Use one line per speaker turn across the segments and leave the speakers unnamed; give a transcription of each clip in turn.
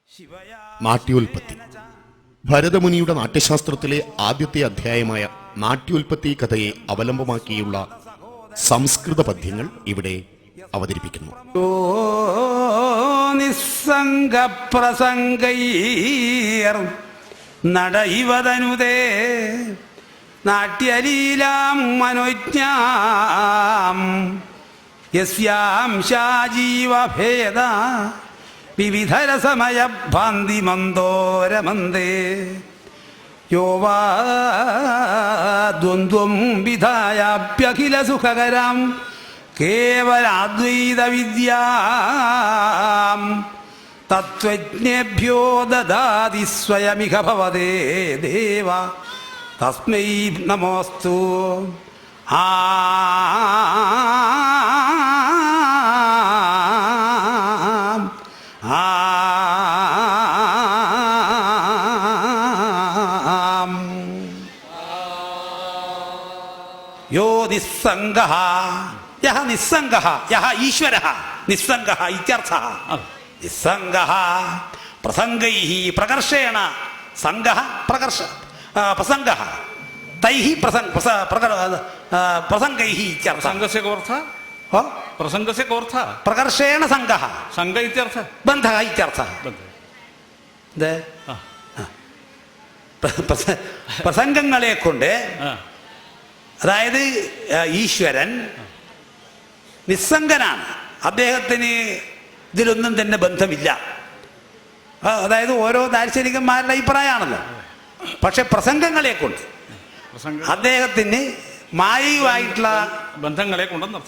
നാട്യോൽപത്തി. ഭരതമുനിയുടെ നാട്യശാസ്ത്രത്തിലെ ആദ്യത്തെ അധ്യായമായ നാട്യോൽപത്തി കഥയെ അവലംബമാക്കിയുള്ള സംസ്കൃത പദ്യങ്ങൾ ഇവിടെ അവതരിപ്പിക്കുന്നു.
നിസ്സംഗപ്രസംഗൈർ നടൈവതനുതേ നാട്യലീലാം മനോജ്ഞാം യസ്യാം ശാജീവഭേദ വിവിധരസമയ ഭാന്തി മന്ദോരമന്ദേ യോ വാ ദ്വന്ദ്വം വിധായാപ്യഖില സുഖകരാം കേവലാദ്വൈത വിദ്യാം തത്വജ്ഞേഭ്യോ ദദാതി സ്വയമിഹ ഭവതേ ദേവ തസ്മൈ നമോസ്തു. യോ നിസ്സംഗഃ യഹ നിസ്സംഗഃ യഹ ഈശ്വരഃ നിസ്സംഗഃ ഇത്യർത്ഥഃ. നിസ്സംഗഃ പ്രസംഗൈഃ പ്രകർഷേണ സംഗഃ പ്രകർഷ പ്രസംഗഃ തൈഃ പ്രസംഗൈഃ ഇത്യർത്ഥഃ.
സംഘസ്യ കോർത്ഥഃ പ്രസംഗസ്യ കോർത്ഥഃ
പ്രകർഷേണ സംഗഃ
സംഘ ഇത്യർത്ഥഃ
ബന്ധഃ ഇത്യർത്ഥഃ. പ്രസംഗങ്ങളെ കൊണ്ട് അതായത് ഈശ്വരൻ നിസ്സംഗനാണ്, അദ്ദേഹത്തിന് ഇതിലൊന്നും തന്നെ ബന്ധമില്ല. അതായത് ഓരോ ദാർശനികന്മാരുടെ അഭിപ്രായമാണല്ലോ. പക്ഷെ പ്രസംഗങ്ങളെ കൊണ്ട് അദ്ദേഹത്തിന് മായയുമായിട്ടുള്ള
ബന്ധങ്ങളെ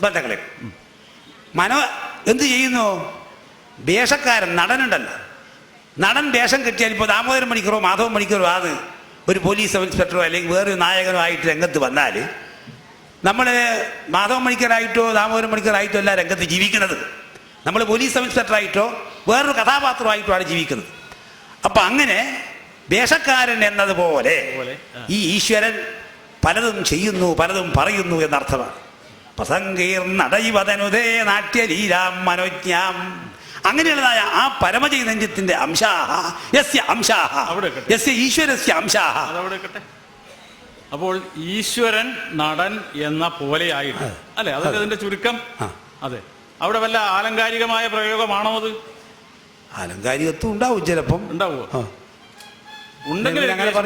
മനോ എന്ത് ചെയ്യുന്നു? വേഷക്കാരൻ നടനുണ്ടല്ലോ, നടൻ വേഷം കെട്ടിയാൽ ഇപ്പോൾ ദാമോദരൻ മണിക്കറോ മാധവൻ മണിക്കറോ ആണ് ഒരു പോലീസ് സബ് ഇൻസ്പെക്ടറോ അല്ലെങ്കിൽ വേറൊരു നായകനോ ആയിട്ട് രംഗത്ത് വന്നാൽ നമ്മൾ മാധവൻ മണിക്കറായിട്ടോ ദാമോദരൻ മണിക്കറായിട്ടോ അല്ല രംഗത്ത് ജീവിക്കുന്നത്. നമ്മൾ പോലീസ് സബ് ഇൻസ്പെക്ടറായിട്ടോ വേറൊരു കഥാപാത്രമായിട്ടോ ആണ് ജീവിക്കുന്നത്. അപ്പം അങ്ങനെ വേഷക്കാരൻ എന്നതുപോലെ ഈ ഈശ്വരൻ പലതും ചെയ്യുന്നു, പലതും പറയുന്നു എന്നർത്ഥമാണ്. പ്രസംഗീർണടൈവതനുതേ നാട്യലീലാം മനോജ്ഞാം. അങ്ങനെയുള്ളതായ ആ പരമചൈതന്യത്തിന്റെ അംശാഹ യസ്യ അംശാഹ യസ്യ ഈശ്വരസ്യ അംശാഹ.
അപ്പോൾ ഈശ്വരൻ നടൻ എന്ന പോലെയായിട്ട് അല്ലെ, അതൊക്കെ അതിന്റെ ചുരുക്കം. അതെ, അവിടെ വല്ല ആലങ്കാരികമായ പ്രയോഗമാണോ അത്?
ആലങ്കാരികത്വം ഉണ്ടാവും, ചിലപ്പം
ഉണ്ടാവുമോ? ഉണ്ടെങ്കിൽ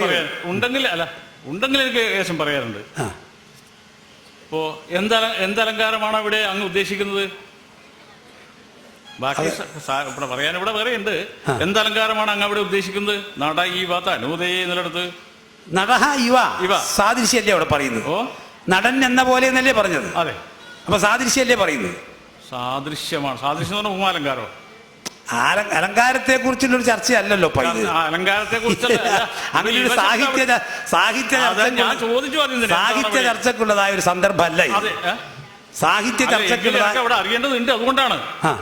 എനിക്ക് ഏകദേശം പറയാറുണ്ട്. ഇപ്പോ എന്തലങ്കാരമാണ് അവിടെ അങ്ങ് ഉദ്ദേശിക്കുന്നത്? ബാക്കി പറയാൻ ഇവിടെ പറയുന്നുണ്ട്. എന്തലങ്കാരമാണ് അങ്ങ് അവിടെ ഉദ്ദേശിക്കുന്നത്? നട ഈ വാത്ത അനുദയ എന്നിടത്ത്
നടഹ ഇവ സാദൃശ്യല്ലേ അവിടെ പറയുന്നത്? നടൻ എന്ന പോലെ എന്നല്ലേ പറഞ്ഞത്?
അതെ.
അപ്പൊ സാദൃശ്യല്ലേ പറയുന്നത്?
സാദൃശ്യമാണ്. സാദൃശ്യം എന്ന് പറഞ്ഞാൽ ഉപമാലങ്കാരോ?
അലങ്കാരത്തെ കുറിച്ചുള്ളൊരു ചർച്ചയല്ലല്ലോ
അലങ്കാരത്തെ കുറിച്ച്
അങ്ങനെ ഒരു സാഹിത്യ ചർച്ചക്കുള്ളതായ ഒരു സന്ദർഭമല്ല. സാഹിത്യ ചർച്ചക്കുള്ളതായ
അവിടെ അറിയേണ്ടതുണ്ട്. അതുകൊണ്ടാണ്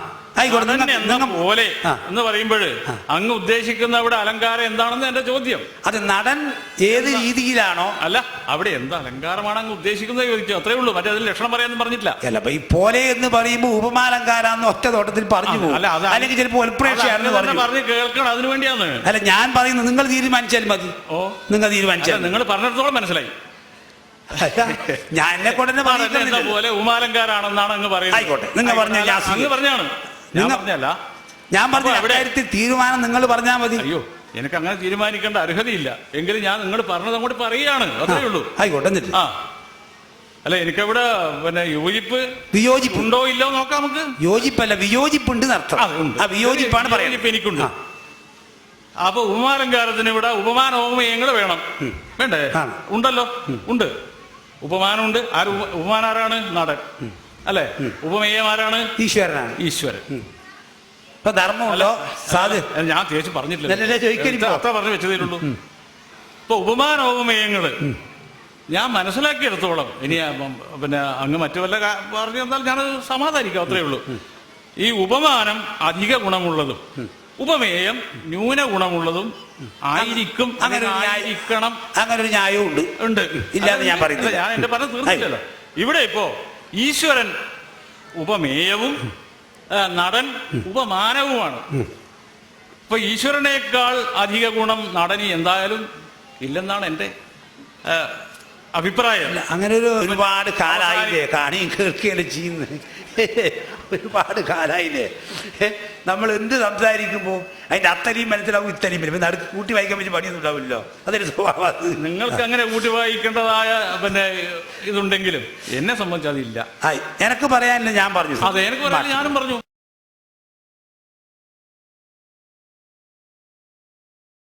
പോലെ എന്ന് പറയുമ്പോൾ അങ്ങ് ഉദ്ദേശിക്കുന്ന അവിടെ അലങ്കാരം എന്താണെന്ന് എന്റെ ചോദ്യം.
അത് നടൻ ഏത് രീതിയിലാണോ അല്ല
അവിടെ എന്ത് അലങ്കാരമാണ് അങ്ങ് ഉദ്ദേശിക്കുന്നത് ചോദിച്ചു, അത്രേ ഉള്ളൂ. മറ്റേ അതിൽ ലക്ഷണം പറയാനൊന്നും പറഞ്ഞിട്ടില്ല.
അല്ല, ഈ പോലെ എന്ന് പറയുമ്പോൾ ഉപമാലങ്കാരാന്ന് ഒറ്റ തോട്ടത്തിൽ പറഞ്ഞു പോകും, അല്ലെങ്കിൽ ചിലപ്പോൾ
പറഞ്ഞ് കേൾക്കണം. അതിനു വേണ്ടിയാണ്.
അല്ല, ഞാൻ പറയുന്നത് നിങ്ങൾ തീരുമാനിച്ചാൽ മതി. നിങ്ങൾ തീരുമാനിച്ചാൽ
നിങ്ങൾ പറഞ്ഞിടത്തോളം മനസ്സിലായി.
ഞാൻ എന്നെ കൊണ്ട്
പോലെ ഉമാലങ്കാരാണെന്നാണ് അങ്ങ് പറയുന്നത്.
ആയിക്കോട്ടെ, നിങ്ങൾ പറഞ്ഞ
അങ്ങ് പറഞ്ഞാണ്,
ഞാൻ പറഞ്ഞ കാര്യത്തിൽ തീരുമാനം നിങ്ങൾ പറഞ്ഞാൽ മതി.
അയ്യോ, എനിക്ക് അങ്ങനെ തീരുമാനിക്കേണ്ട അർഹതയില്ല. എങ്കിലും ഞാൻ നിങ്ങൾ പറഞ്ഞത് അങ്ങോട്ട് പറയുകയാണ്, അത്രേ ഉള്ളൂ.
ആയിക്കോട്ടെ.
അല്ല, എനിക്കവിടെ പിന്നെ വിയോജിപ്പ് ഉണ്ടോ ഇല്ലോ നോക്കാം നമുക്ക്.
യോജിപ്പല്ല, വിയോജിപ്പുണ്ട് എന്നർത്ഥം. വിയോജിപ്പാണ് പറയുന്നത്.
എനിക്കുണ്ട്. അപ്പൊ ഉപമാലങ്കാരത്തിന് ഇവിടെ ഉപമാന ഉപമയങ്ങൾ വേണം, വേണ്ടേ? ഉണ്ടല്ലോ, ഉണ്ട്. ഉപമാനമുണ്ട്. ഉപമാനാരാണ്? നടൻ അല്ലെ. ഉപമേയമാരാണ്?
ഈശ്വരനാണ്.
ഈശ്വരൻ.
ധർമ്മമല്ലോ.
ഞാൻ തേച്ച് പറഞ്ഞിട്ടില്ല, അത്ര പറഞ്ഞു വെച്ചതേയുള്ളൂ. ഇപ്പൊ ഉപമാനോപമേയങ്ങള് ഞാൻ മനസ്സിലാക്കിയെടുത്തോളം, ഇനി പിന്നെ അങ്ങ് മറ്റു വല്ല പറഞ്ഞു തന്നാൽ ഞാൻ സമാധാനിക്കാം, അത്രേ ഉള്ളൂ. ഈ ഉപമാനം അധിക ഗുണമുള്ളതും ഉപമേയം ന്യൂന ഗുണമുള്ളതും ആയിരിക്കും. ആയിരിക്കണം.
അങ്ങനെ ഒരു ന്യായവും ഉണ്ട്. ഇല്ലാതെ ഞാൻ പറയുന്നത്.
ഞാൻ എന്റെ പറഞ്ഞ് തീർന്നില്ലല്ലോ. ഇവിടെ ഇപ്പോ ഈശ്വരൻ ഉപമേയവും നടൻ ഉപമാനവുമാണ്. ഇപ്പൊ ഈശ്വരനേക്കാൾ അധിക ഗുണം നടനി എന്തായാലും ഇല്ലെന്നാണ് എൻ്റെ അഭിപ്രായം.
അങ്ങനെ ഒരുപാട് കാലായില്ലേ കാണിയും കേൾക്കുകയല്ലേ ചെയ്യുന്നത്. ഒരുപാട് കാലായില്ലേ നമ്മൾ എന്ത് സംസാരിക്കുമ്പോൾ അതിന്റെ അത്തരിയും മനസ്സിലാവും ഇത്തരിയും വരും. നടുക്ക് കൂട്ടി വായിക്കാൻ പറ്റി പണിയൊന്നും ഉണ്ടാവില്ലല്ലോ. അതൊരു സ്വഭാവം.
നിങ്ങൾക്ക് അങ്ങനെ കൂട്ടി വായിക്കേണ്ടതായ ഇതുണ്ടെങ്കിലും എന്നെ സംബന്ധിച്ച് അതില്ല.
എനക്ക് പറയാനില്ല, ഞാൻ പറഞ്ഞു.
അതെ, എനിക്ക് പറയാൻ ഞാനും പറഞ്ഞു.